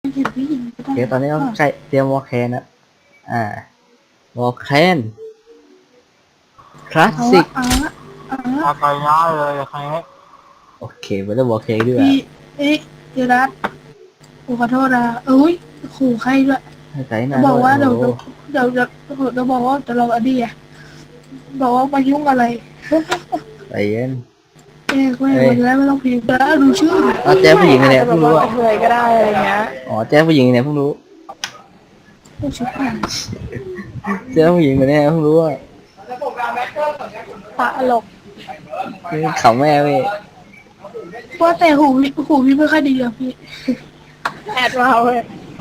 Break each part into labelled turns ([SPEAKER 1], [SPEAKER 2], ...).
[SPEAKER 1] เห็นผู้หญิงก็ได้
[SPEAKER 2] โอเคตอนนี้ต้องใช้เตรียมวอลแคนนะวอลแคนคลาสสิก
[SPEAKER 1] เอาละ
[SPEAKER 3] ไปง่ายเลยใครให้
[SPEAKER 2] โอเคไม่ต้องวอลแคนด้วย
[SPEAKER 1] พี่เดี๋ยวนะกูขอโทษนะเอ้ยขู่ใครด้วย
[SPEAKER 2] ให้ใจหน้า
[SPEAKER 1] บอกว่าเดี๋ยว
[SPEAKER 2] โอ้โห
[SPEAKER 1] เดี๋ยวบอกว่าจะลองอดีอ่ะบอกว่ามายุ่งอะไร
[SPEAKER 2] ใจเย็น
[SPEAKER 1] วันนี้ไม่ต้องพิมพ์แล้วดูชื่อ
[SPEAKER 2] แจ้ผู้หญิงเนี่ยเพิ่งรู้
[SPEAKER 3] เคยก็ได้อะไรเงี้ย
[SPEAKER 2] อ๋อแจ้ผู้หญิงเนี่ยเพิ่งรู้
[SPEAKER 1] ดูชื่อผ่าน
[SPEAKER 2] แจ้ผู้หญิงเนี่ยเพิ่งรู้ว่า
[SPEAKER 3] ตลก
[SPEAKER 2] ขำแม่เว้ย
[SPEAKER 1] ว่าแต่หูพี่ไม่ค่อยดีอ่ะพี่
[SPEAKER 3] แอดมาเว้ย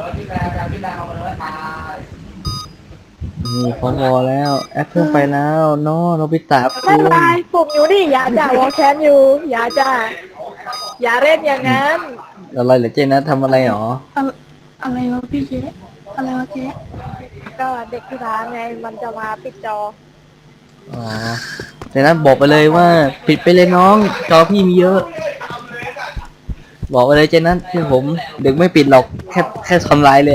[SPEAKER 2] นี่พอแล้วแอปเพิ่งไปแล้วน้อโนบิตะ
[SPEAKER 3] ไม่
[SPEAKER 2] คุ
[SPEAKER 3] เป็น
[SPEAKER 2] ณ
[SPEAKER 3] ไรปุ่มอยู่นี่อย่าจ่าวอลแคนอยู่อย่าจ่าอย่าเล่นอย่างนั้น
[SPEAKER 2] อะไรเหรอเจนะทำอะไรหรอ
[SPEAKER 1] อะไรวะพี่เจ๊อะไรวะเจ๊
[SPEAKER 3] ก็เด็กที่ร้านไงมันจะมาปิดจอ
[SPEAKER 2] อ๋อเจนะบอกไปเลยว่าปิดไปเลยน้องจอพี่มีเยอะ บอกไปเลยเจนะที่ผมเด็กไม่ปิดหรอกแค่ทำลายเลย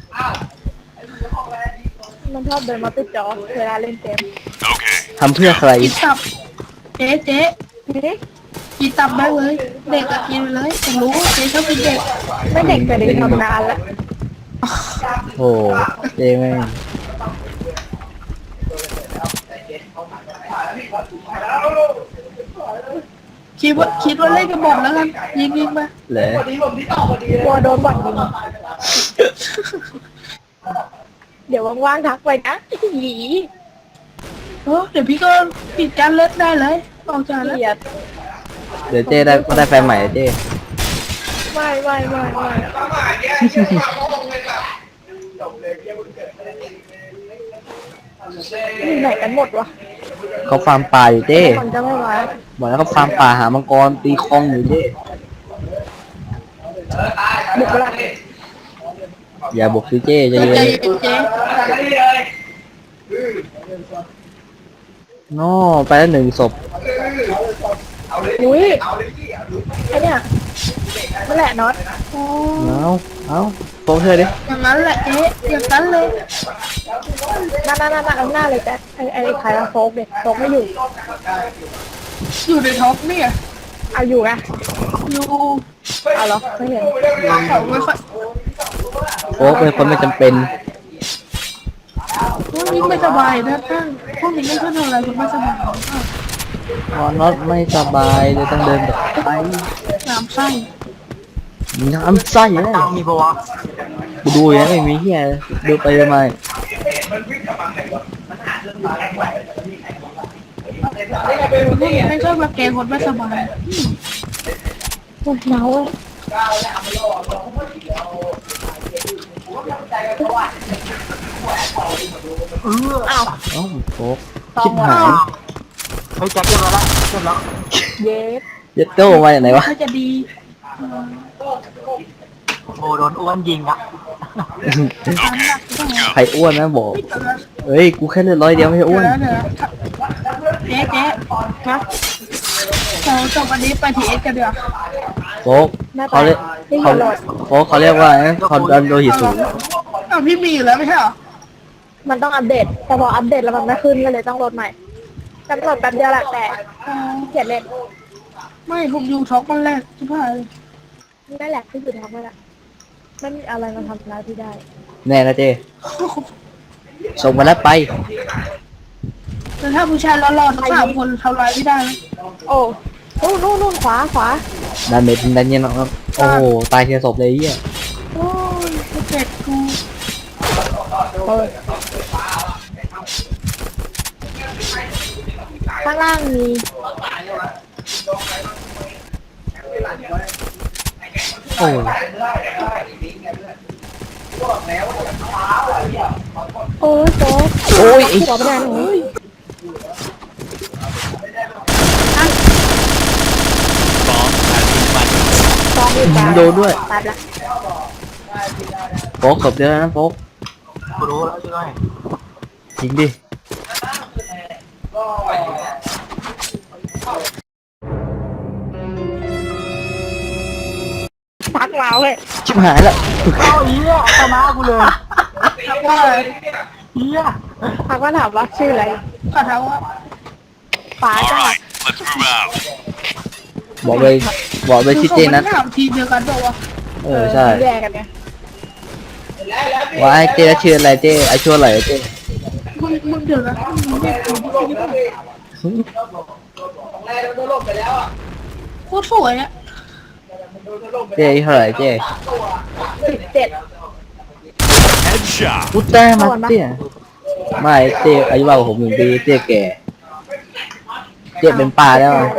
[SPEAKER 3] มันชอบเดินมาปิดจอเวลาเล่นเกม
[SPEAKER 2] ทำเพื่อใคร
[SPEAKER 1] กินตับเจ๊
[SPEAKER 3] นี่
[SPEAKER 1] กินตับได้เลย เด็กอะกินไปเลยผมรู้ว่าเจ๊ชอบกินเด็ก
[SPEAKER 3] ไม่เด็กแต่เด็กทำนานแล้ว
[SPEAKER 2] โอ้เจแม่ง
[SPEAKER 1] คิดว่าเล่นกันหมดแล้วกันยิงไป
[SPEAKER 2] เหลย
[SPEAKER 3] กลัวโดนบอดยิงเดี๋ยวว่างๆทักไปนะหยี
[SPEAKER 1] เดี๋ยวพี่ก็ปิดการเล่นได้เลยออกจากแล้ว
[SPEAKER 3] เกลียด
[SPEAKER 2] เดี๋ยวเจได้แฟนใหม่เจ
[SPEAKER 3] ไม่อยู่ไหนกันหมดวะ
[SPEAKER 2] เขาฟาร์มป่าอยู่เจ
[SPEAKER 3] คนจะไม่มา
[SPEAKER 2] บอกแล้วเขาฟาร์มป่าหามังกรตีคองอยู่เจ
[SPEAKER 3] บุกไปละ
[SPEAKER 2] อย่าบุกสิเจใจ
[SPEAKER 1] ใจ
[SPEAKER 2] เย็น
[SPEAKER 1] เย็นเจ๊
[SPEAKER 2] น้อไปแล้ว1 ศพ
[SPEAKER 3] อุ้ยไอเนี่ยนั่นแหละน็อต
[SPEAKER 2] เอาโป๊กเธอดิ
[SPEAKER 1] อย่างนั้นแหละเจ๊อย่างนั้นเลย
[SPEAKER 3] นั่นเอาหน้าเลยแต่ไอ้ใครมาโฟกเด็กโฟกไม่อยู่
[SPEAKER 1] อยู่ในท็อปเนี่ย
[SPEAKER 3] เอาอยู่ไง
[SPEAKER 1] อยู่
[SPEAKER 3] เอาเหรอไม่เห็น
[SPEAKER 1] เขาไม่ค่อย
[SPEAKER 2] โป๊กเป็นคนไม่จำเป็น
[SPEAKER 1] พวกนี้ไม่สบายนะท่านพวกนี้ไม่ค่อยทำอะไรคุณไม่สบาย
[SPEAKER 2] พอน็อตไม่สบายเลยต้องเดินแบบไป
[SPEAKER 1] น้ำไส้
[SPEAKER 2] น้ำไส้เลย
[SPEAKER 3] มีปะวะ
[SPEAKER 2] กูดูอย่างนี้ไม่มีเฮียดูไปทำไม
[SPEAKER 1] พวกนี้ไม่ชอบมาแกงคนไม่สบาย
[SPEAKER 3] โอ้ยเมาอ่ะอ้าว
[SPEAKER 2] เอ้าโป๊กชิบหาย
[SPEAKER 3] เฮ้ยจับเรียบร้อยแล้วเรียบร้อยเย็ด
[SPEAKER 2] เยัดโต้มาจากไหนวะ
[SPEAKER 1] เขาจะดี
[SPEAKER 3] โอ้โดนอ้วนยิงอ่ะ
[SPEAKER 1] ตามหลักก็ได้
[SPEAKER 2] ใครอ้วนนะบอกเอ้ยกูแค่เลือด100 เดียวไม่ใช่อ้วน
[SPEAKER 1] เดี๋ยวเจ๊ฮะเราจบวันนี้ไปทีเอสกันเดี๋ยว
[SPEAKER 2] โป๊กเขาเรียกเขาโป๊กเขาเรียกว่าความดันโลหิตสูง
[SPEAKER 1] พี่มีอยู่แล้วไม่ใช่เหรอ
[SPEAKER 3] มันต้องอัปเดตแต่พออัปเดตแล้วมันไม่ขึ้นก็เลยต้องโหลดใหม่กำหนดแป๊บเดียวแหละแต่เขียนเล่น
[SPEAKER 1] ไม่ผมอยู่ช็อกวันแรกที่ผ่านเลย
[SPEAKER 3] นั่นแหละที่อยู่ท้องนั่นแหละไม่มีอะไรมาทำร้ายที่ได้
[SPEAKER 2] แน่นะเจส่งมาแล้วไป
[SPEAKER 1] แต่ถ้าผู้ชายหล่อๆทั้ง3 คนทำร้ายไม่ได้นะ
[SPEAKER 3] โอ้นู่นขวา
[SPEAKER 2] ดันเมทดันเย็นนะครับโอ้โหตายเทียศพเลยไอ้เหี้ย
[SPEAKER 1] โอ้ยเจ็บกู
[SPEAKER 3] ข้างล่างมี
[SPEAKER 2] โอ้
[SPEAKER 3] โอ้ยโจ๊ก
[SPEAKER 2] โอ้ยไอ้
[SPEAKER 3] หัวไม่ได้นะโอ้ย ตอนนี้
[SPEAKER 2] โดนด้วย
[SPEAKER 3] ตัดละ
[SPEAKER 2] โป๊กศพเดียวนะโป๊ก
[SPEAKER 3] กูรู้แล้วใช่ไหม
[SPEAKER 2] จริงดิ
[SPEAKER 3] ทักมาเอาเลย
[SPEAKER 2] ชิบหายละ
[SPEAKER 1] เอาเหี้ยชนะกูเลยทักว่าอะไรเหี้ย
[SPEAKER 3] พักว่าถามว่าชื่ออะไร
[SPEAKER 1] ขอทักว่า
[SPEAKER 3] ฟ้าจ้า
[SPEAKER 4] Let's move out.
[SPEAKER 2] บอกเลยชื่อเจนัท
[SPEAKER 1] ถามทีเดียวกันบอกว่า
[SPEAKER 2] ใช่
[SPEAKER 3] แยกกันไง
[SPEAKER 2] ว่าไอ้เจนัทชื่ออะไรเจไอชื่ออะไรเจ
[SPEAKER 1] มึงเดี๋ยวนะมึงเรียกกูที่ไหนโคตรสวยอ่ะ
[SPEAKER 2] เจเท่าไหร่เจ
[SPEAKER 3] 17
[SPEAKER 4] Headshot.
[SPEAKER 2] พุตแต้มาเจไม่เจอายุมากกว่าผม1 ปีเจแก่เจเป็นป้าแล้วอะ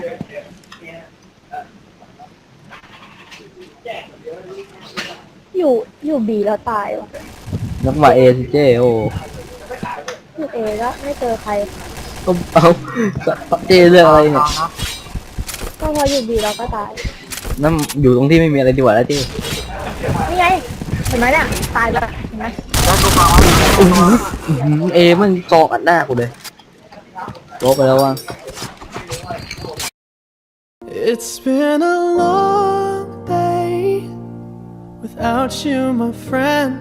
[SPEAKER 3] อยู่บีแล้วตายวะ
[SPEAKER 2] นักมาเอสิเจโอ้
[SPEAKER 3] อยู่เอก็ไม่เจอใคร
[SPEAKER 2] ก็เอาเจเรื่องอะไรเนี่ย
[SPEAKER 3] ก็พออยู่บีแล้วก็ตาย
[SPEAKER 2] นั่นอยู่ตรงที่ไม่มีอะไรดีกว่าแล้วเจ
[SPEAKER 3] นี่ไงเห็นไหมเนี่ยตายแล้วเห็นไหม
[SPEAKER 2] เอมันเกาะอัดหน้ากูเลยลบไปแล้วว่ะ
[SPEAKER 5] It's been a long day without you, my friend.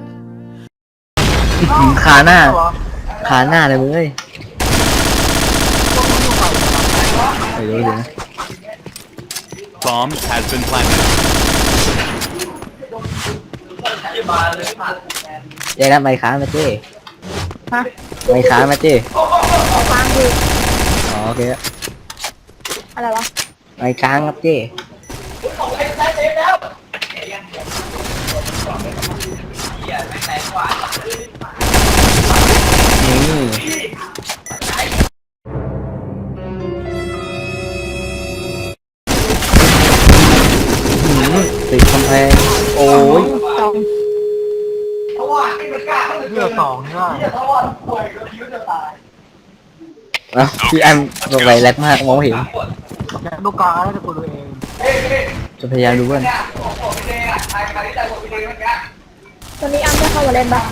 [SPEAKER 2] ขาหน้าเลยมึงเอ้ยเดี๋ยวนะ
[SPEAKER 4] Bomb has been planted.
[SPEAKER 2] เจ๊นะไม่ค้างมาเจ๊
[SPEAKER 3] ฮะ
[SPEAKER 2] ไม่ค้างมาเจ๊
[SPEAKER 3] ฟังคือ
[SPEAKER 2] อ๋อโอเค
[SPEAKER 3] อะไรวะ
[SPEAKER 2] ไม่ค้างครับเจ๊นี่ติดกำแพงโอ้ย
[SPEAKER 3] สอง
[SPEAKER 1] เลือกสองเนี่ย
[SPEAKER 2] อ่ะพี่แอมลงไปแรดมากมองไม่เห็น
[SPEAKER 1] แกดูกลางแล้วจะกูดูเอง
[SPEAKER 2] จะพยายามดูว่า
[SPEAKER 3] ตอนนี้อ้ำจะเข้ามาเล่นปะ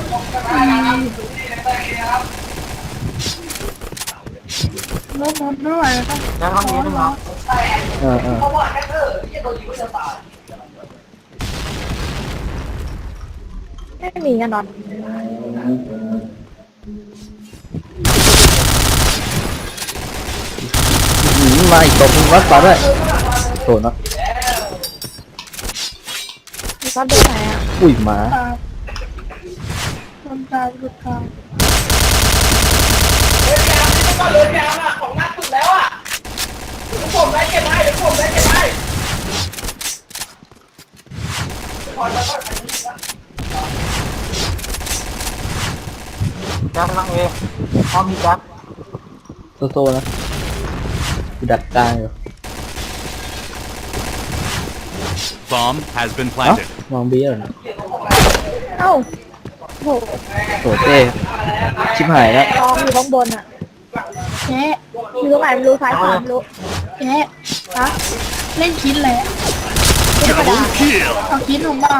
[SPEAKER 1] รถไม่ไหวแล้ว
[SPEAKER 6] แล้วก็มีนึงเนาะ
[SPEAKER 2] เออ
[SPEAKER 3] ไม่มีกันนอน
[SPEAKER 2] มาอีกตัวนึงวัดต่อด้วยโถเนาะ
[SPEAKER 3] มีก็ดูไหนอ่ะ
[SPEAKER 2] อุ้ยหมา
[SPEAKER 1] คนตายหลุดทาง
[SPEAKER 6] แจ็คลังเอพร้อมมีแจ็ค
[SPEAKER 2] โซนะกูดักกลางอยู่
[SPEAKER 4] Bomb has been
[SPEAKER 2] เอ้า
[SPEAKER 4] planted.
[SPEAKER 2] มองเบี้ยเหรอ
[SPEAKER 3] เอ้าโห
[SPEAKER 2] โถเจ้ชิบหายแล้ว
[SPEAKER 3] ลองอยู่ข้างบนอ่ะ
[SPEAKER 1] เจ๊
[SPEAKER 3] อยู่ตรงไหนไม่รู้ซ้ายขวาไม่รู้
[SPEAKER 1] เจ๊
[SPEAKER 3] ฮะ
[SPEAKER 1] เล่นคิดเลย
[SPEAKER 3] ไม่ธรรมดา
[SPEAKER 4] Kill.
[SPEAKER 1] เอาคิดลงเปล่า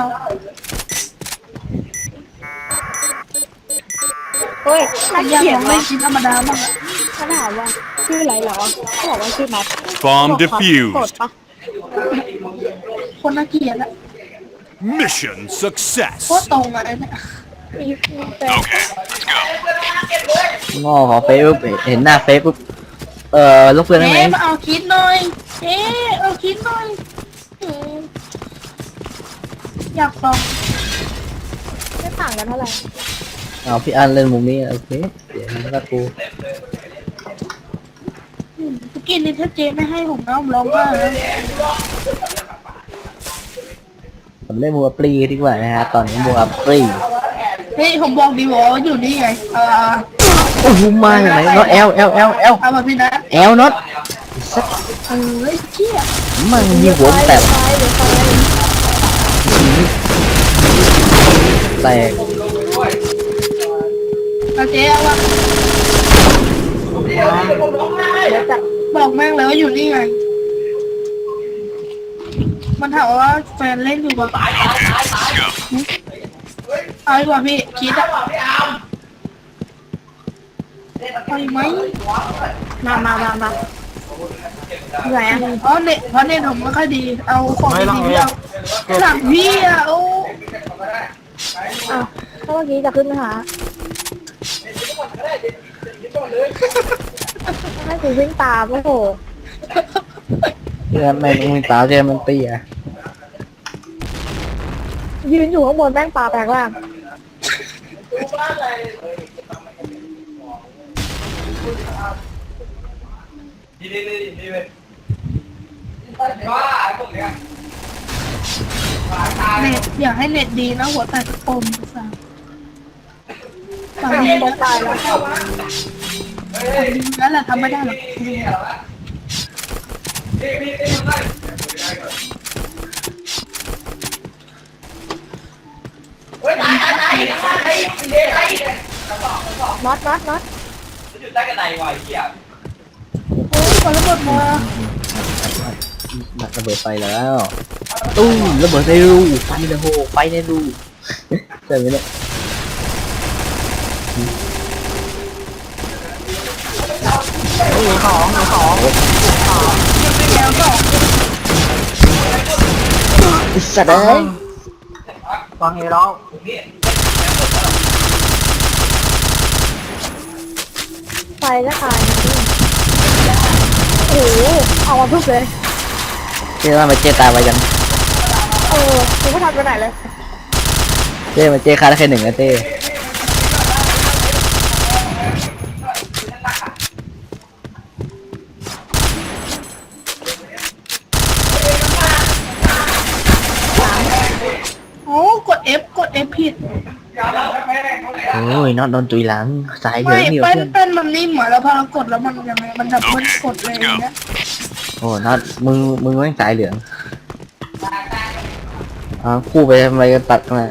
[SPEAKER 3] เฮ้ยน่า
[SPEAKER 1] อยาก
[SPEAKER 3] เกลีย
[SPEAKER 1] ล
[SPEAKER 3] ด
[SPEAKER 1] อง
[SPEAKER 3] ว่ะ
[SPEAKER 1] เล่นคิดธรรมดาบ้าง
[SPEAKER 3] เขาถามว่าชื่ออะไรเหรอเขาบอกว่าชื่อนัท
[SPEAKER 4] Bomb
[SPEAKER 3] โกรธ
[SPEAKER 4] defused.
[SPEAKER 3] ปะ
[SPEAKER 1] คนน่าเกลียดอะ
[SPEAKER 4] Mission
[SPEAKER 1] โค
[SPEAKER 4] success.
[SPEAKER 1] ตรตรงอะไอ้เนี่ย
[SPEAKER 3] มีแฟน
[SPEAKER 4] Okay, let's go.
[SPEAKER 2] งอขอเฟซปุ๊บเห็นหน้าเฟซปุ๊บลบเพื่อนได้ไหม
[SPEAKER 1] เจ๊มาเอาคิดหน่อยเจ๊เอาคิดหน่อยอยากลอง
[SPEAKER 3] ไม่ต่างกันเท่าไหร่
[SPEAKER 2] เอาพี่อันเล่นมุมนี้โอเคเดี๋ยวนะกู
[SPEAKER 1] สกินนี่ถ้าเจ๊ไม่ให้ผมนะผมร้องไห้เลย
[SPEAKER 2] ผมเล่นมัวปลีดีกว่านะฮะตอนนี้มัวปลี
[SPEAKER 1] เฮ้ยผมบอกดีบอกว่าอยู่นี่ไง
[SPEAKER 2] โอ้โหมาอย่างไรเนาะเอล
[SPEAKER 1] เอามาพี่นะ
[SPEAKER 2] เอลน็อตสัก
[SPEAKER 1] เฮ้ยเชี่ย
[SPEAKER 2] มันมีหัวมันแตก
[SPEAKER 3] ไฟเดี๋ยวไฟ
[SPEAKER 2] แตก
[SPEAKER 1] เอาเจ๊เอาวะ
[SPEAKER 3] เดี๋ยวจัด
[SPEAKER 1] บอกแม่งเลยว่าอยู่นี่ไงมันถามว่าแฟนเล่นอยู่ปะเอาดีกว่าพี่คิดอะเอาอีกไหม
[SPEAKER 3] มาไหนอ่ะ
[SPEAKER 1] เพราะเน็ตผมไม่ค่อยดีเอาของ
[SPEAKER 6] ไม่ต้อง
[SPEAKER 1] ดี
[SPEAKER 6] เอ
[SPEAKER 1] ๆเอาหลังพี่อ่ะโอ้
[SPEAKER 3] อ้าวถ้าเมื่อกี้จะขึ้นไปหาให้กูวิ่งตามโอ้โห
[SPEAKER 2] เพื่อนแม่งมึงตาเจมันเตี้ย
[SPEAKER 3] ยืนอยู่ข้างบนแม่งปลาแปลงล่าง
[SPEAKER 1] เน็ตอยากให้เน็ตดีนะหัวแตกกระปมสั่งฝั่งนี้นะ
[SPEAKER 3] ตายแล้ว
[SPEAKER 1] ฝั่งนี้นั่นแหละทำไม่ได้หรอก
[SPEAKER 3] น็อต
[SPEAKER 1] โอ้ยคนละหมดมา
[SPEAKER 2] ระเบิดไฟแล้วตู้มระเบิดในรูไฟในโฮไฟในรูใช่ไหมเนี่ย
[SPEAKER 6] มีของ
[SPEAKER 1] แล้วก็
[SPEAKER 2] ไอ้สัตว์เอ้ย
[SPEAKER 6] ฟังเอแล้ว
[SPEAKER 3] ไฟก็ตายโอ้โหเอามาทุบเลย
[SPEAKER 2] เจ๊ว่ามาเจ๊ตายไปยัง
[SPEAKER 3] กูไม่ทันไปไหนเลย
[SPEAKER 2] เจ๊มาเจ๊ฆ่าได้แค่หนึ่งนะเจ๊
[SPEAKER 1] โอ้กด F ผิด
[SPEAKER 2] โอ้ยน็อตโดนตุยหลังสายเหลื
[SPEAKER 1] ไม่
[SPEAKER 2] องเหนียว
[SPEAKER 1] เป็น
[SPEAKER 2] เพื่อน
[SPEAKER 1] เป็นมันนิ่มเหมือนแล้วพอเรากดแล้วมันยังไงมันดับมันกดเลยอย่างเงี้ย
[SPEAKER 2] โอ้น็อตมึงแม่งสายเหลืองคู่ไปทำไมกันตัดมา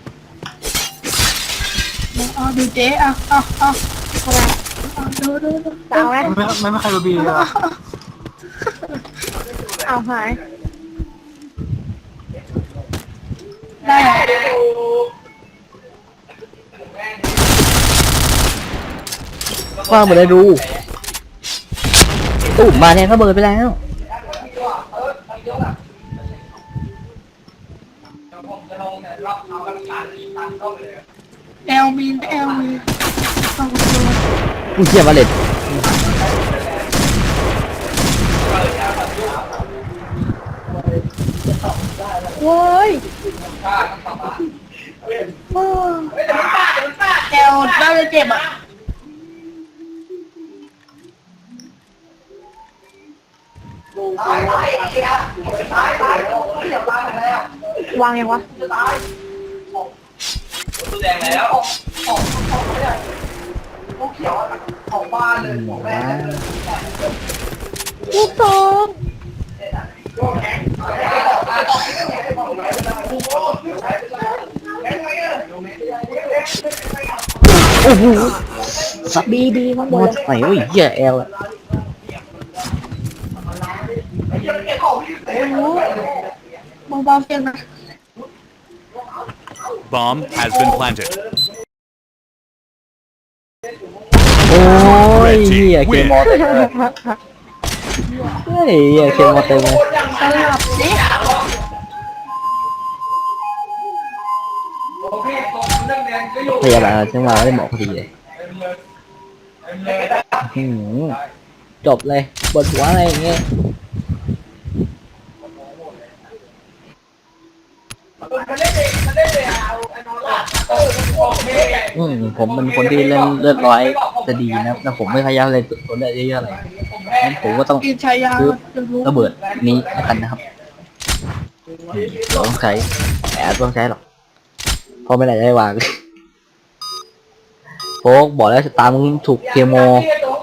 [SPEAKER 1] เอาดูเจ๊เอา
[SPEAKER 3] ทำไม
[SPEAKER 1] ดู
[SPEAKER 3] จะเอาไหม
[SPEAKER 6] ไม่ใครรู้บีเลย
[SPEAKER 3] เอาหาย
[SPEAKER 1] ได้
[SPEAKER 2] ว่าหมดเลยดูตู้มมาเนี่ยก็เบิดไปแล้ว
[SPEAKER 1] แอลมีสองตัว
[SPEAKER 2] กูเชี่ยมาเลย
[SPEAKER 3] โว้ย
[SPEAKER 1] แอลน่าจะเจ็บอ่ะ
[SPEAKER 3] วางยังวะลูกซอง
[SPEAKER 2] โอ้โหสับ
[SPEAKER 3] บีข้างบ
[SPEAKER 2] หม
[SPEAKER 3] น
[SPEAKER 2] ดไหนวะไอ้เหี้ยแอลอะ
[SPEAKER 1] เบาๆเสียงนะ
[SPEAKER 4] Bomb has been planted.
[SPEAKER 2] โอ้ยเหี้ยเคมอเต็มเลยเฮ้ยเหี้ยเคมอเต็มเลย
[SPEAKER 1] สลับสิ
[SPEAKER 2] พยาบาลจังหวะได้หมอพอดีเลยจบเลยบนหัวอะไรอย่างเงี้ยผมเป็นคนที่เล่นเลือดร้อยจะดีนะแต่ผมไม่พยายามเลยตัวเลือดเยอะๆอะไรงั้นผมก็ต้อง
[SPEAKER 1] กินชายา
[SPEAKER 2] ซื้อ
[SPEAKER 1] จะรู้
[SPEAKER 2] ระเบิดนี้แล้วกันนะครับต้องใช้แต่ต้องใช้หรอกเพราะไม่ได้วางโฟกบอกแล้วชะตามึงถูกเคมอ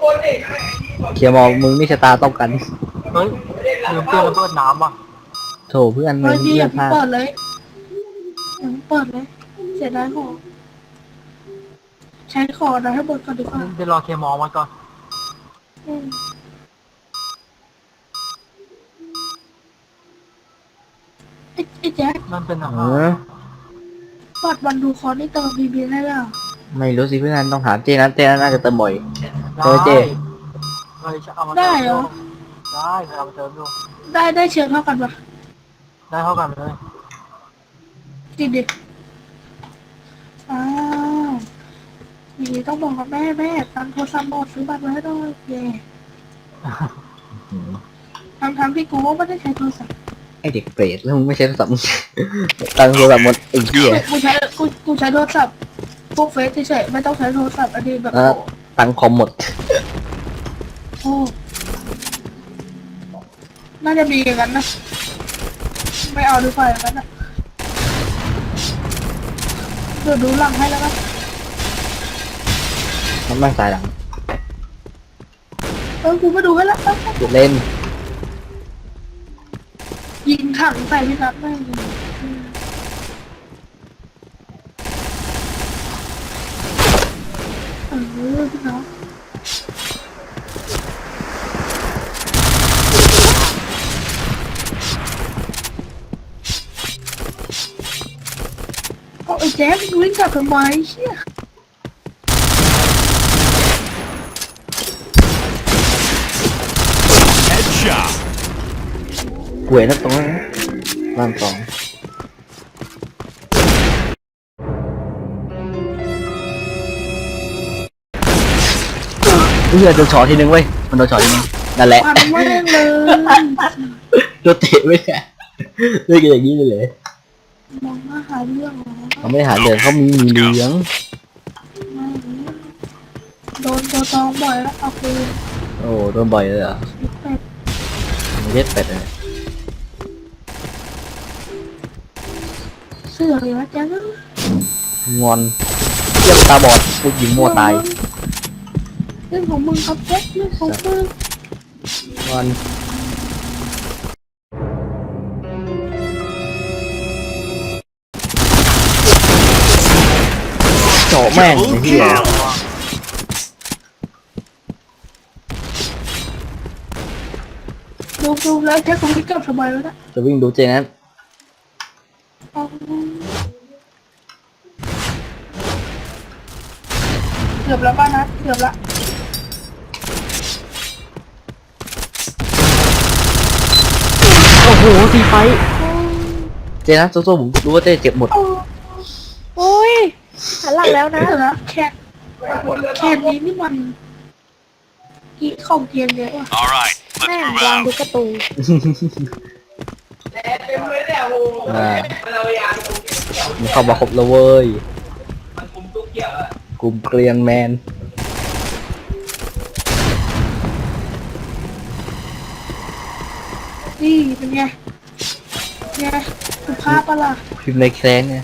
[SPEAKER 2] มึงนี่ชะตาต้องกัน
[SPEAKER 6] เฮ้ยลืมเตือนระเบิดน้ำว่ะ
[SPEAKER 2] โถเพื่อนมึ
[SPEAKER 1] เฮ้
[SPEAKER 2] ง
[SPEAKER 1] ยพี่
[SPEAKER 2] เลื
[SPEAKER 1] อย่า
[SPEAKER 2] อดพลาด
[SPEAKER 1] เปิดเลยเปิดเลยเสียดายของใช้คอนะให้บนก่อนดีกว่า
[SPEAKER 6] เดี๋ยวรอเคมอมาก่อน
[SPEAKER 1] ไอ้แจ๊ค
[SPEAKER 6] นั่นเป็นอา
[SPEAKER 2] เอ
[SPEAKER 6] หาร
[SPEAKER 2] อ
[SPEAKER 1] ปัดวันดูคอนี่เติมบีได้แล้ว
[SPEAKER 2] ไม่รู้สิเพื่อนต้องถามเจนั้นน่าจะเติมบ่อย
[SPEAKER 6] ได้
[SPEAKER 2] เจ
[SPEAKER 6] เฮ้ยจะเอามา
[SPEAKER 1] ได้เหรอ
[SPEAKER 6] ได้เอาไปเติมดู
[SPEAKER 1] ได้เชื้อเท่ากันปะ
[SPEAKER 6] ได้เท่ากันเลย
[SPEAKER 1] จริงดิอ้าวอย่างนี้ต้องบอกกับแม่ตังโทรศัพท์หมดซื้อบัตรมาให้ด้วยเย่ทั้งที่กูก็ไม่ได้ใช้โทรศัพท์
[SPEAKER 2] ไอเด็กเปรตแล้วมึงไม่ใช้โทรศัพท์มึงตังค์โทรศัพท์หมดไอ้เหี้ย
[SPEAKER 1] กูใช้โทรศัพท์พวกเฟซเฉยๆไม่ต้องใช้โทรศัพท์อันนี้แบบ
[SPEAKER 2] ตังค์คอมหมด
[SPEAKER 1] โอ้น่าจะมีอย่างนั้นนะไม่เอาดีกว่าอย่างนั้นนะเดี๋ยวดูหลังให้แล้วกัน
[SPEAKER 2] มันไม่สายหลัง
[SPEAKER 1] กูมาดูให้แล้ว
[SPEAKER 2] หยุดเล่น
[SPEAKER 1] ยิงถังใส่พี่นัทไม่ยิงพี่น้องเอาไอ้แจ๊ควิ่งกลับทำไมเชี่ย
[SPEAKER 4] Headshot.
[SPEAKER 2] ป่วยนักตรงนั้นนะบ้านสองเฮ้ยโดนช็อตทีนึงเว้ยมันโดนช็อตทีนึงนั่นแหละ
[SPEAKER 1] ปันแม่งเลย
[SPEAKER 2] โดนเตะไม่ได้เล่นกันอย่างนี้เลยเหรอ
[SPEAKER 1] มองมาหาเรื่องเหรอ
[SPEAKER 2] เขาไม่ได้หาเหลืองเขามีเหลือง
[SPEAKER 1] ไม่โดนตัวตองบ่อยแล้วเอาคืน
[SPEAKER 2] โอ้โดนบ่อยเลยเหรอ
[SPEAKER 1] เป็ด
[SPEAKER 2] เย็ดเป็ดเลย
[SPEAKER 1] เสือเลยนะแจ๊ค
[SPEAKER 2] งอนเยี่ยมตาบอดลูกยิงมัวตาย
[SPEAKER 1] เรื่องของมึงครับแจ๊คเรื่องของมึง
[SPEAKER 2] งอนเจาะแม่งไอ้เหี้ย
[SPEAKER 1] ดูแล้วแจ๊คคงไม่กลับสบายแล้วนะ
[SPEAKER 2] จะวิ่งดูเจนั้น
[SPEAKER 1] เอาเกือบแล้วป้านะเกือบละ
[SPEAKER 2] โอ้โหทีไฟเจนะโซ่ๆผมรู้ว่าเจเจ็บหมด
[SPEAKER 3] โอ้ยหันหลังแล้วนะ
[SPEAKER 1] เดี๋ยวนะแค่นี้นี่มันกี่ของเกียนเยอะว่ะ
[SPEAKER 4] All right,
[SPEAKER 3] แม่
[SPEAKER 4] let's
[SPEAKER 3] ง
[SPEAKER 4] move
[SPEAKER 3] วาง
[SPEAKER 4] out.
[SPEAKER 3] ดูการ์ตูน
[SPEAKER 2] มันเข้ามาครบแล้วเว้ยกลุ่มเกรียนแมน
[SPEAKER 1] นี่เป็นไงไงสุภาพปะล่ะ
[SPEAKER 2] พิมพ์ในแคร์เนี่ย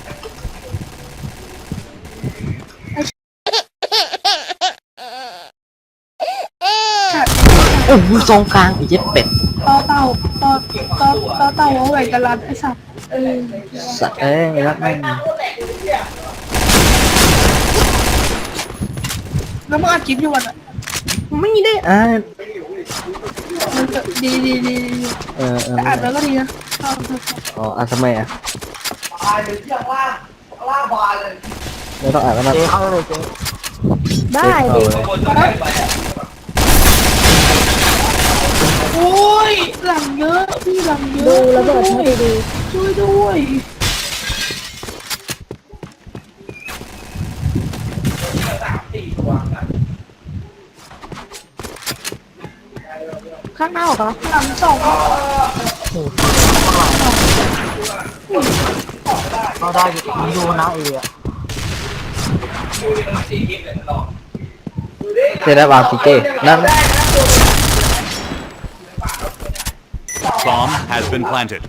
[SPEAKER 1] ฉัด
[SPEAKER 2] โอ้โหซองกลางไอ้เจ็ดเป็ด
[SPEAKER 1] ต่อเต่าเอาไว้กันรันไอ้สัตว์
[SPEAKER 2] สัตว์เอ้ยรักแม่ง
[SPEAKER 1] แล้วมึงอัดคลิปอยู่วันอ่ะ
[SPEAKER 2] ไม่ได้อ่าน
[SPEAKER 1] ดี
[SPEAKER 2] เออ
[SPEAKER 1] แต่อัดแล้วก็ดีนะเอา
[SPEAKER 2] อ๋ออ่านทำไมอ่ะไม่ต้องอ่านแล้วนะ
[SPEAKER 6] เจ๊เข้าเลยเจ๊
[SPEAKER 3] ได้
[SPEAKER 2] เอา
[SPEAKER 3] ดิ
[SPEAKER 2] เลย
[SPEAKER 1] โอ้ยหลังเยอะพี่หลังเยอะ
[SPEAKER 3] ดูระเบิดให้ดี
[SPEAKER 1] ช่วยด้วย
[SPEAKER 3] ๆข้างนอกเหรอ
[SPEAKER 1] หลังสอง
[SPEAKER 6] เข้าได้ผมดูนะเออะ
[SPEAKER 2] เจได้วางซีเก้นั่น
[SPEAKER 4] Bomb has been planted.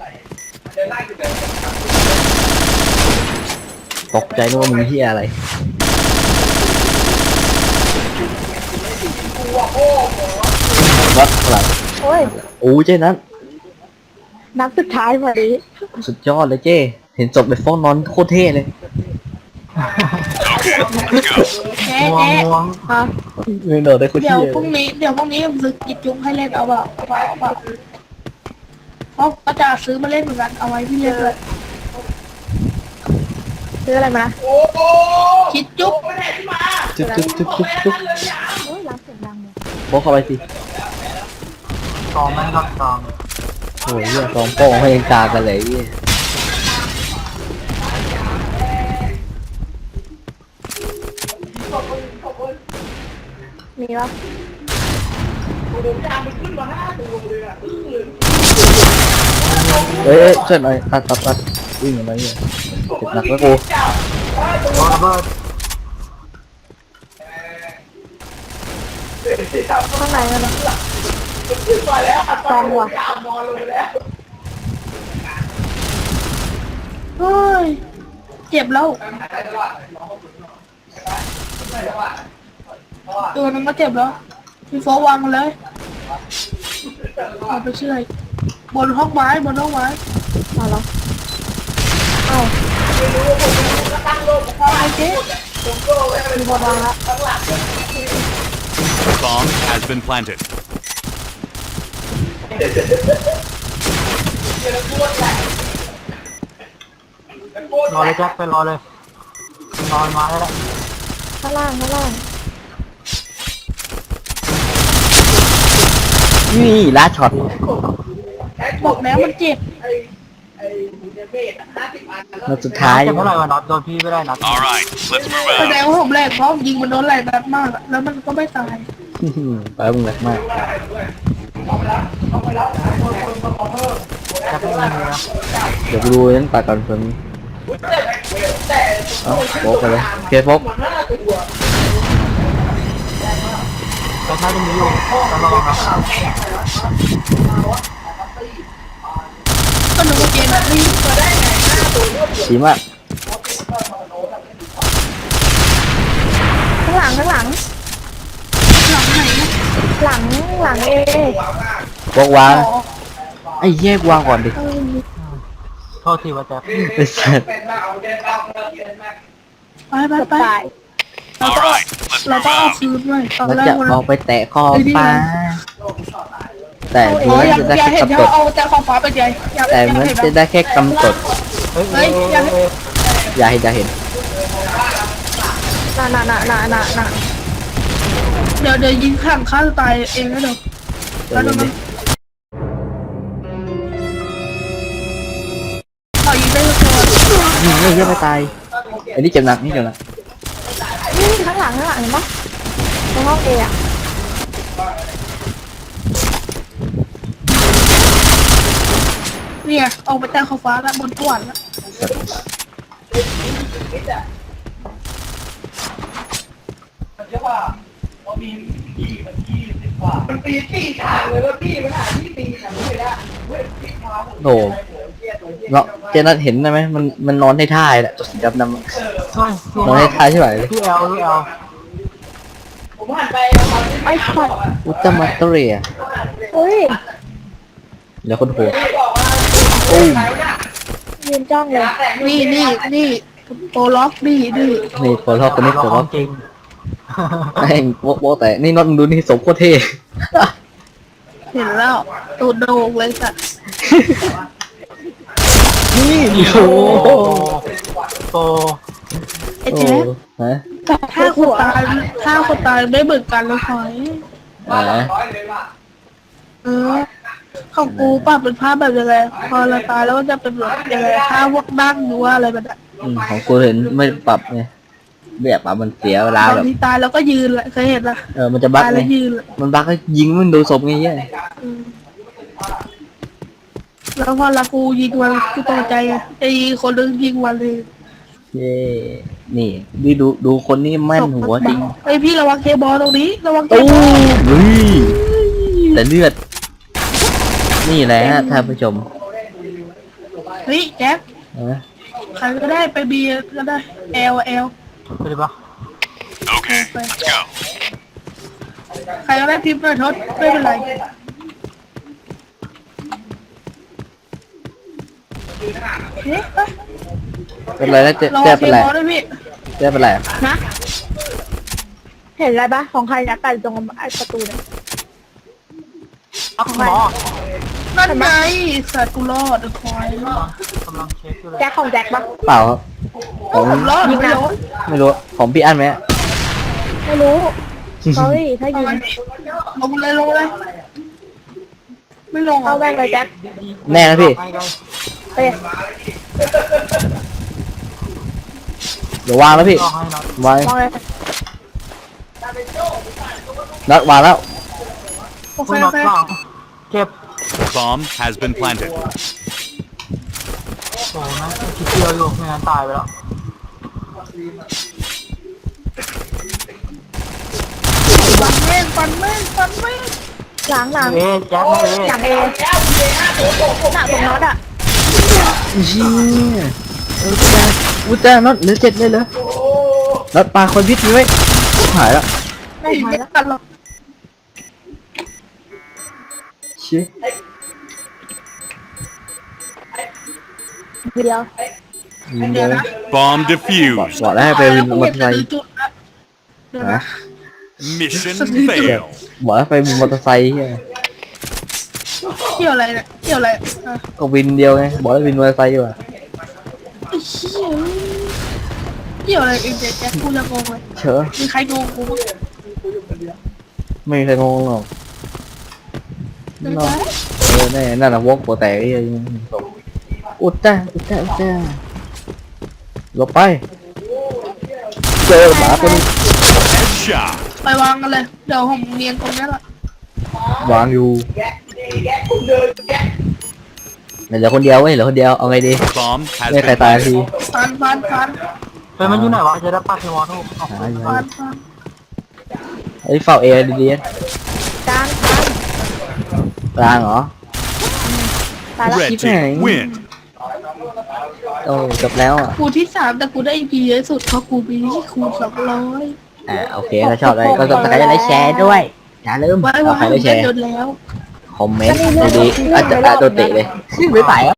[SPEAKER 2] ตกใจนึกว่ามึงเฮียอะไรวัดหลัง
[SPEAKER 3] โอ้ย
[SPEAKER 2] โอ้เจนั้น
[SPEAKER 3] นัดสุดท้ายพอดี
[SPEAKER 2] สุดยอดเลยเจ้เห็นศพในฟ้องนอนโคตรเท่เลย
[SPEAKER 1] แจ๊
[SPEAKER 6] ง่วงง่วง
[SPEAKER 3] ฮะ
[SPEAKER 2] เงินโดดได้โคตร
[SPEAKER 1] เดี๋ยว
[SPEAKER 2] เท่
[SPEAKER 1] พรุ่งนี้ผมซื้อกิจจุ้งให้เล่นเอาเปล่าเพราะก็จะซื้อมาเล่นเหมือนกันเอาไว้พี่เล่นเลย
[SPEAKER 3] ซื้ออะไรมานะ
[SPEAKER 1] คิดจุ๊บ
[SPEAKER 2] จุ๊บ
[SPEAKER 3] โอ้ยร้านเสียงดังเลย
[SPEAKER 2] บอกเข้าไปสิ
[SPEAKER 6] ซองไม่รับซอง
[SPEAKER 2] โอ้ยเหี้ยสองโป้งให้ยังกากันเลยเหี้ย
[SPEAKER 3] มีปะ
[SPEAKER 2] เอ้ยช่วยหน่อยตัดวิ่งอะไรเงี้ยเจ็บหนักแล้วกู
[SPEAKER 6] โดนระเบิด
[SPEAKER 3] ข้างในนั่นนะซองว่ะ
[SPEAKER 1] เฮ้ยเจ็บแล้วตัวนึงก็เจ็บแล้วพี่โฟวางมันเลยเอาไปเชื่อยบนห้องไม้
[SPEAKER 3] เอาเหรอเอ้า
[SPEAKER 1] ไอ้เจ๊
[SPEAKER 3] มีบอลวางละ
[SPEAKER 4] Bomb has been planted.
[SPEAKER 6] รอเลยแจ็คไปรอเลยรอมาแล้ว
[SPEAKER 3] ข้างล่าง
[SPEAKER 2] นี่ลาช็อต
[SPEAKER 1] บอกแล้วมันเจ็บ
[SPEAKER 2] นัดสุดท้าย
[SPEAKER 6] เจ็บเท่าไหร่วะน็อตโดนพี่ไม่ได้น็อต
[SPEAKER 4] All right, let's move
[SPEAKER 1] แสดง
[SPEAKER 4] out.
[SPEAKER 1] ว่าผมแรกเพราะยิงมันโดนไหลแบบมากอะแล้วมันก็ไม่ตาย
[SPEAKER 2] ไปมึงแหลกมาก
[SPEAKER 6] แจ็คไม่มีนะ
[SPEAKER 2] เดี๋ยวกูดูนั้นตัดก่อนเพิ่มเอ้าโป๊กไปเลยโอเคโป๊ก
[SPEAKER 6] แจ็คน่าจะมีอยู่ต้องระวังครับ
[SPEAKER 1] ก็นึกว่าเกมแบบนี้
[SPEAKER 2] ดีมาก
[SPEAKER 3] ข้างหลัง
[SPEAKER 1] หลังไหนนะ
[SPEAKER 3] หลังเอ
[SPEAKER 2] โป๊กวางไอ้แยกวางก่อนดิ
[SPEAKER 6] โทษทีว่าแจ็ค
[SPEAKER 2] ไอ้สัส
[SPEAKER 1] ไปไป
[SPEAKER 3] เกือบ
[SPEAKER 1] ไป
[SPEAKER 3] ตาย
[SPEAKER 4] All right, let's
[SPEAKER 1] เรา
[SPEAKER 4] move
[SPEAKER 1] ต้องเอา
[SPEAKER 4] out.
[SPEAKER 1] คืนด้วยตอน
[SPEAKER 2] มัน
[SPEAKER 1] แร
[SPEAKER 2] จะ
[SPEAKER 1] กมัน
[SPEAKER 2] ออกไปแตะคอฟ้าแต่
[SPEAKER 1] โอ้
[SPEAKER 2] มัน
[SPEAKER 1] ยอยาก
[SPEAKER 2] จะได้
[SPEAKER 1] อยาก
[SPEAKER 2] แค่
[SPEAKER 1] เห็น
[SPEAKER 2] กำ
[SPEAKER 1] เขา
[SPEAKER 2] กด
[SPEAKER 1] เอาแต่ขอบฟ้าไปใหญ่อยาก
[SPEAKER 2] แต่
[SPEAKER 1] อยาก
[SPEAKER 2] มัน
[SPEAKER 1] เห็น
[SPEAKER 2] จะได้แค่กำกด
[SPEAKER 6] เฮ้ย
[SPEAKER 2] อย่าเห็น
[SPEAKER 3] น่ะ
[SPEAKER 1] เดี๋ยวยิงข้างฆ่าตัวตายเองนะเดี๋ยว
[SPEAKER 2] เดี๋ยวเดี๋ยว
[SPEAKER 1] ขอยิงได้ตัว
[SPEAKER 2] นี่เยอะไปตายอันนี้เจ็บหนักนี่เจ็บหนัก
[SPEAKER 3] นี่ข้างหลังเห็นปะในห้องเออะ
[SPEAKER 1] เนี่ยออกไปแต่ขอบฟ้าแล้วบนสวรรค์แล้ว
[SPEAKER 2] โอ้เนาะเจนัทเห็นได้ไหมมันนอนให้ท่าแหละตัวสีดำๆ
[SPEAKER 6] ช่วย
[SPEAKER 2] นอนให้ท่าใช่ไหมเลย
[SPEAKER 6] พี่แอล
[SPEAKER 3] ไอ้ช็อต
[SPEAKER 2] อุตตมะเตเรีย
[SPEAKER 3] เฮ้ย
[SPEAKER 2] แล้วคนโหดโอ้ย
[SPEAKER 3] ยืนจ้องเลย
[SPEAKER 1] นี่โปรล็อกนี่
[SPEAKER 2] นี่ปลดล็อกคนนี้ปลดล็อก
[SPEAKER 6] จริง
[SPEAKER 2] แม่งโป๊ะแต่นี่น็อตมึงดูนี่สมโคตรเท่
[SPEAKER 1] เห็นแล้วตูดโด่งเลยสัตว์
[SPEAKER 2] นี่โอ้โห
[SPEAKER 6] โต
[SPEAKER 1] ไอ้แจ๊ค
[SPEAKER 2] ฮะ
[SPEAKER 1] ถ้าคนตายไม่เหมือนกันเลยหอย
[SPEAKER 2] อ่า
[SPEAKER 1] ของกูปรับเป็นภาพแบบยังไงพอเราตายแล้วก็จะเป็นแบบยังไงท่าพวกนั่งหรือว่าอะไรแบบนั้น
[SPEAKER 2] ของกูเห็นไม่ปรับไงแบบปรับมันเสียเวลา
[SPEAKER 1] ตอ
[SPEAKER 2] แบ
[SPEAKER 1] น
[SPEAKER 2] บ
[SPEAKER 1] ที่ตายแล้วก็ยืนแหละเคยเห็นละ
[SPEAKER 2] มันจะบั๊ก
[SPEAKER 1] ตาย
[SPEAKER 2] ไง
[SPEAKER 1] แล้วยืน
[SPEAKER 2] มันบั๊กก็ยิงมันดูศพไงเย้ย
[SPEAKER 1] แล้วพอละกูยิงมันกูตกใจไงไอ้คนนึงยิงวันเลย
[SPEAKER 2] เย้นี่ดูคนนี้แม่นหัวจริง
[SPEAKER 1] ไอพี่ระวังเคบอลตรงนี้ระวังเค
[SPEAKER 2] ตู้
[SPEAKER 1] บอล
[SPEAKER 2] เฮ้ยแต่เลือด นี่แหละฮะท่านผู้ชม
[SPEAKER 1] เฮ้ยแจ็ค
[SPEAKER 2] นะ
[SPEAKER 1] ใครก็ได้ไปบีก็ได้เอล
[SPEAKER 6] ไปดิปะ
[SPEAKER 4] Okay, let's go.
[SPEAKER 1] ใครก็ได้พิมพ์หน่อยทศไม่เป็นไรเฮ้ย
[SPEAKER 2] เป็นไรแล้วเจ๊
[SPEAKER 1] ระวั
[SPEAKER 2] เจ๊
[SPEAKER 1] งเค
[SPEAKER 2] เป็นไร
[SPEAKER 1] บอลด้วยพี่
[SPEAKER 2] เจ๊เป็นไร
[SPEAKER 3] นะ เห็นอะไรปะของใครนะแต่ตรงไอ้ประตูเนี่ย
[SPEAKER 6] อักหมอ
[SPEAKER 1] นั่นไงสัตว์กูรอดคอย
[SPEAKER 6] กำลังเช็คอยู่เลย
[SPEAKER 3] แจ็คของแจ็คปะ
[SPEAKER 2] เปล่าครับของ
[SPEAKER 1] ผมรอดไม่รู้
[SPEAKER 2] ไม่รู้ของพี่อั้นไหม
[SPEAKER 3] ไม่รู้ เฮ้ยถ้ายิง
[SPEAKER 1] ลงเลยไม่ลง
[SPEAKER 3] เข้าแม่งเลยแจ็ค
[SPEAKER 2] แน่นะพี่
[SPEAKER 6] ไปไกล
[SPEAKER 3] ไป
[SPEAKER 2] เดี๋ยววางแล้วพี่
[SPEAKER 6] รอให้หน่อยว
[SPEAKER 2] าง
[SPEAKER 3] มองเลย
[SPEAKER 2] นัดวางแล้ว
[SPEAKER 1] โอเค
[SPEAKER 6] คุณ
[SPEAKER 1] โอ
[SPEAKER 6] น็อต
[SPEAKER 1] เค
[SPEAKER 6] หลังเจ็บ
[SPEAKER 4] Bomb has been planted.
[SPEAKER 6] โอ้นะคิดเดียวอยู่ไม่งั้นตายไปแล้ว
[SPEAKER 1] ฟันแม่งฟันแม่งฟันแม่ง
[SPEAKER 3] หลัง
[SPEAKER 6] แจ็คไม่
[SPEAKER 3] หลังเอหน้าตรงน็อตอ่ะ
[SPEAKER 2] เชี่ยอุตส่าห์น็อตเหลือ7เลยเหรอน็อตปลาคนพิษมีไว้หายแล้ว
[SPEAKER 3] ไม่ทัน
[SPEAKER 1] ไม่
[SPEAKER 3] แล้ว
[SPEAKER 1] กันหรอก
[SPEAKER 2] เชี่ย
[SPEAKER 3] ทีเดียว
[SPEAKER 2] ยิง
[SPEAKER 1] เดี๋
[SPEAKER 2] เลย
[SPEAKER 1] วย นะ
[SPEAKER 4] Bomb
[SPEAKER 2] บอก
[SPEAKER 4] defused.
[SPEAKER 2] บอกแล้วให้ไปวินมอเตอร์ไซค์
[SPEAKER 1] จุดละเดี๋ยว
[SPEAKER 2] นะ
[SPEAKER 1] นะ
[SPEAKER 4] Mission failed.
[SPEAKER 2] บอกให้ไปวินมอเตอร์ไซค์เหี้ย
[SPEAKER 1] เกี่ยวอะไรเนี่ยเกี่ยวอะไรอ่ะ
[SPEAKER 2] ก็วินเดียวไงบอกให้วินมอเตอร์ไซค์ดีกว่า
[SPEAKER 1] ไอ้เหี้ยเกี่ยวอะไรเองแจ็คกูจะงงเลย
[SPEAKER 2] เชอะ
[SPEAKER 1] มีใครงงกูบ้าง
[SPEAKER 2] ไม่มีใครงงหรอก
[SPEAKER 1] เดี๋ยว
[SPEAKER 2] เนาะ
[SPEAKER 1] นะ
[SPEAKER 2] แน่นั่นน่ะวอกหัวแตกไอ้เหี้ยอุดจ้าหลบไปเจอหมาตัวนี้
[SPEAKER 4] Headshot.
[SPEAKER 1] ไปวางกันเลยเดี๋ยวผมเรียนตรงนี้แหละ
[SPEAKER 2] วางอยู่เหลือคนเดียวเว้ยเหลือคนเดียวเอาไงดี
[SPEAKER 4] Bomb has
[SPEAKER 2] ไม่ใคร
[SPEAKER 4] been
[SPEAKER 2] ตาย
[SPEAKER 4] planted.
[SPEAKER 2] ที
[SPEAKER 1] ฟันฟันฟัน
[SPEAKER 6] เป็นมันอยู่ไหนวะจะได้ปัดที่มอทู
[SPEAKER 2] หาอยู่
[SPEAKER 1] ฟันฟัน
[SPEAKER 2] ไอ้ยเฝ้าเอดี
[SPEAKER 3] กลาง
[SPEAKER 2] ๆกลางเหรอ
[SPEAKER 3] ตายแล้ว
[SPEAKER 4] Red
[SPEAKER 2] Keep
[SPEAKER 4] team
[SPEAKER 2] hanging.
[SPEAKER 4] win.
[SPEAKER 2] โอ้จบแล้วอ่ะ
[SPEAKER 1] กูที่3แต่กูได้ EP เยอะสุดเพราะกูมีที่คูณ200
[SPEAKER 2] โอเคถ้าชอบอะไรก็ต้องใครจะได้แชร์ด้วยอย่าลืม
[SPEAKER 1] ไว้
[SPEAKER 2] เอา
[SPEAKER 1] ว่า
[SPEAKER 2] ใครได้แชร์
[SPEAKER 1] โดนแล้ว
[SPEAKER 2] คอมเมนต์ดีๆอาจจะโดนเตะเลยไม่ไปแล้ว